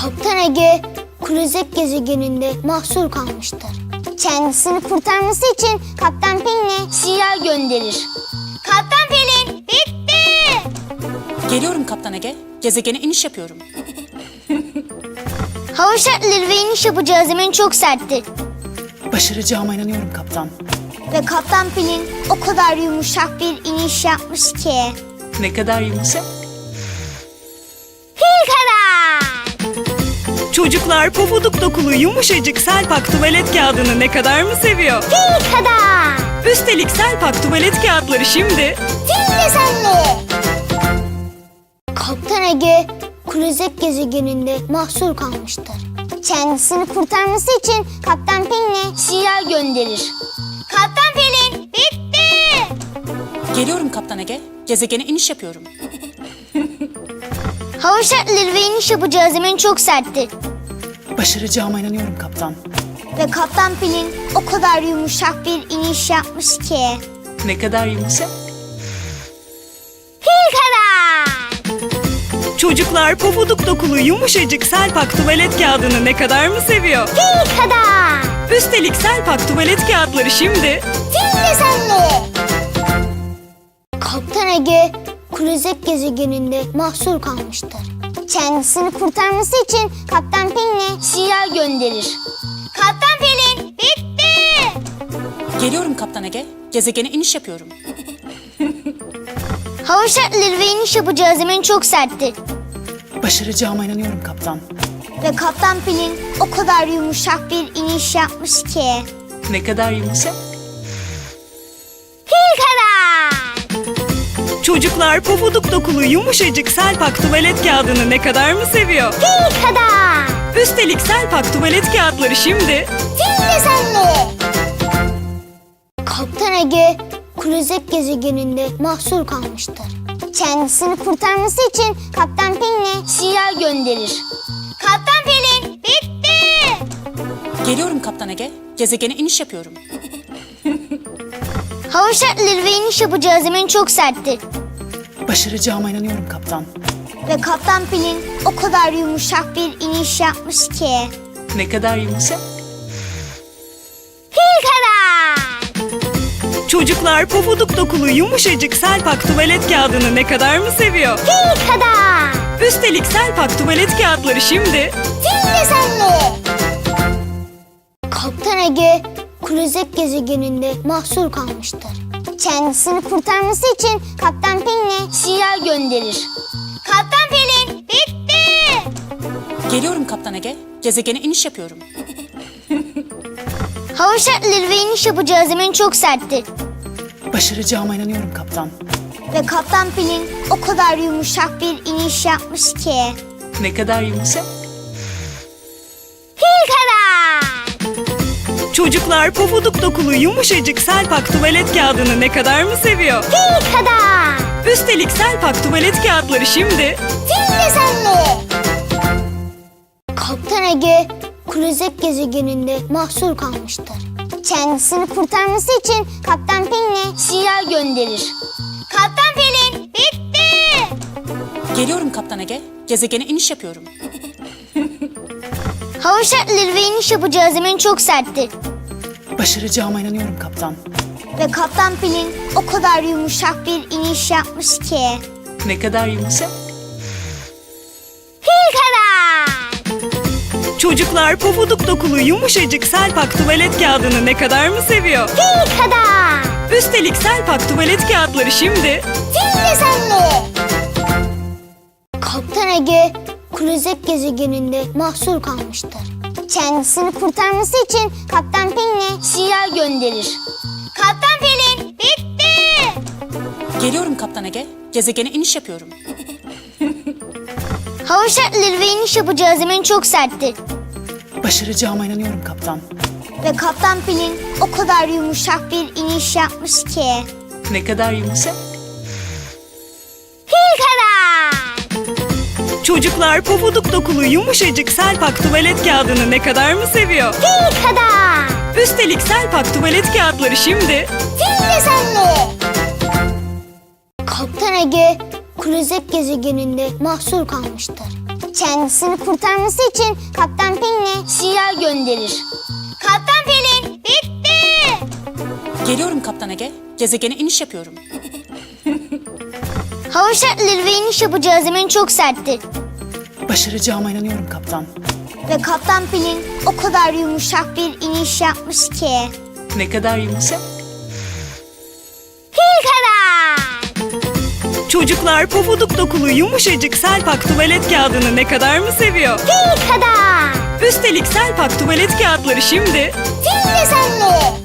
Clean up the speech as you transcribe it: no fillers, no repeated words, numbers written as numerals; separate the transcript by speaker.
Speaker 1: Kaptan Ege, Kruzek gezegeninde mahsur kalmıştır. Kendisini kurtarması için Kaptan Pelin'e sinyal gönderir. Kaptan Pelin, bitti!
Speaker 2: Geliyorum Kaptan Ege. Gezegene iniş yapıyorum.
Speaker 1: Hava şartları ve iniş yapacağı zemin çok sertti.
Speaker 2: Başaracağıma inanıyorum kaptan.
Speaker 1: Ve Kaptan Pelin o kadar yumuşak bir iniş yapmış ki.
Speaker 2: Ne kadar yumuşak.
Speaker 1: Fil kadar!
Speaker 3: Çocuklar pofuduk dokulu yumuşacık Selpak tuvalet kağıdını ne kadar mı seviyor?
Speaker 1: Fil kadar!
Speaker 3: Üstelik Selpak tuvalet kağıtları şimdi
Speaker 1: Fil desenli! Kaptan Ege, Kruzek gezegeninde mahsur kalmıştır. Kendisini kurtarması için Kaptan Pelin'e sinyal gönderir. Kaptan Pelin, bitti!
Speaker 2: Geliyorum Kaptan Ege. Gezegene iniş yapıyorum.
Speaker 1: Hava şartları ve iniş yapacağı zemin çok sertti.
Speaker 2: Başaracağıma inanıyorum kaptan.
Speaker 1: Ve Kaptan Pelin o kadar yumuşak bir iniş yapmış ki.
Speaker 2: Ne kadar yumuşak.
Speaker 1: Fil kadar!
Speaker 3: çocuklar pofuduk dokulu yumuşacık Selpak tuvalet kağıdını ne kadar mı seviyor?
Speaker 1: Fil kadar!
Speaker 3: Üstelik Selpak tuvalet kağıtları şimdi
Speaker 1: Fil desenli! Kaptan Ege, Kruzek gezegeninde mahsur kalmıştır. Kendisini kurtarması için Kaptan Pelin'e sinyal gönderir. Kaptan Pelin, bitti!
Speaker 2: Geliyorum Kaptan Ege. Gezegene iniş yapıyorum.
Speaker 1: Hava şartları ve iniş yapacağı zemin çok sertti.
Speaker 2: Başaracağıma inanıyorum kaptan.
Speaker 1: Ve Kaptan Pelin o kadar yumuşak bir iniş yapmış ki.
Speaker 2: Ne kadar yumuşak.
Speaker 1: Fil kadar!
Speaker 3: çocuklar pofuduk dokulu yumuşacık Selpak tuvalet kağıdını ne kadar mı seviyor?
Speaker 1: Fil kadar!
Speaker 3: Üstelik Selpak tuvalet kağıtları şimdi
Speaker 1: Fil desenli! Kaptan Ege, Kruzek gezegeninde mahsur kalmıştır. Kendisini kurtarması için Kaptan Pelin'e sinyal gönderir. Kaptan Pelin, bitti!
Speaker 2: Geliyorum Kaptan Ege. Gezegene iniş yapıyorum.
Speaker 1: Hava şartları ve iniş yapacağı zemin çok sertti.
Speaker 2: Başaracağıma inanıyorum kaptan.
Speaker 1: Ve Kaptan Pelin o kadar yumuşak bir iniş yapmış ki.
Speaker 2: Ne kadar yumuşak.
Speaker 1: Fil kadar!
Speaker 3: çocuklar pofuduk dokulu yumuşacık Selpak tuvalet kağıdını ne kadar mı seviyor?
Speaker 1: Fil kadar!
Speaker 3: Üstelik Selpak tuvalet kağıtları şimdi
Speaker 1: Fil desenli! Kaptan Ege, Kruzek gezegeninde mahsur kalmıştır. Kendisini kurtarması için Kaptan Pelin'e sinyal gönderir. Kaptan Pelin, bitti!
Speaker 2: Geliyorum Kaptan Ege. Gezegene iniş yapıyorum.
Speaker 1: Hava şartları ve iniş yapacağı zemin çok sertti.
Speaker 2: Başaracağıma inanıyorum kaptan.
Speaker 1: Ve Kaptan Pelin o kadar yumuşak bir iniş yapmış ki.
Speaker 2: Ne kadar yumuşak.
Speaker 1: Fil kadar!
Speaker 3: çocuklar pofuduk dokulu yumuşacık Selpak tuvalet kağıdını ne kadar mı seviyor?
Speaker 1: Fil kadar!
Speaker 3: Üstelik Selpak tuvalet kağıtları şimdi
Speaker 1: Fil desenli! Kaptan Ege, Kruzek gezegeninde mahsur kalmıştır. Kendisini kurtarması için Kaptan Pelin'e sinyal gönderir. Kaptan Pelin, bitti!
Speaker 2: Geliyorum Kaptan Ege. Gezegene iniş yapıyorum.
Speaker 1: Hava şartları ve iniş yapacağı zemin çok sertti.
Speaker 2: Başaracağıma inanıyorum kaptan.
Speaker 1: Ve Kaptan Pelin o kadar yumuşak bir iniş yapmış ki.
Speaker 2: Ne kadar yumuşak.
Speaker 1: Fil kadar!
Speaker 3: çocuklar pofuduk dokulu yumuşacık Selpak tuvalet kağıdını ne kadar mı seviyor?
Speaker 1: Fil kadar!
Speaker 3: Üstelik Selpak tuvalet kağıtları şimdi
Speaker 1: Fil desenli! Kaptan Ege, Kruzek gezegeninde mahsur kalmıştır. Kendisini kurtarması için Kaptan Pelin'e sinyal gönderir. Kaptan Pelin, bitti!
Speaker 2: Geliyorum Kaptan Ege. Gezegene iniş yapıyorum.
Speaker 1: Hava şartları ve iniş yapacağı zemin çok sertti.
Speaker 2: Başaracağıma inanıyorum kaptan.
Speaker 1: Ve Kaptan Pelin o kadar yumuşak bir iniş yapmış ki.
Speaker 2: Ne kadar yumuşak.
Speaker 1: Fil kadar!
Speaker 3: çocuklar pofuduk dokulu yumuşacık Selpak tuvalet kağıdını ne kadar mı seviyor?
Speaker 1: Fil kadar!
Speaker 3: Üstelik Selpak tuvalet kağıtları şimdi
Speaker 1: Fil desenli! Kaptan Ege, Kruzek gezegeninde mahsur kalmıştır. kendisini kurtarması için Kaptan Pelin'e sinyal gönderir. Kaptan Pelin, bitti!
Speaker 2: Geliyorum Kaptan Ege. Gezegene iniş yapıyorum.
Speaker 1: Hava şartları ve iniş yapacağı zemin çok serttir.
Speaker 2: Başaracağıma inanıyorum kaptan.
Speaker 1: Ve Kaptan Pelin o kadar yumuşak bir iniş yapmış ki.
Speaker 2: Ne kadar yumuşak.
Speaker 1: Fil kadar!
Speaker 3: Çocuklar pofuduk dokulu yumuşacık Selpak tuvalet kağıdını ne kadar mı seviyor?
Speaker 1: Fil kadar!
Speaker 3: Üstelik Selpak tuvalet kağıtları şimdi
Speaker 1: Fil desenli!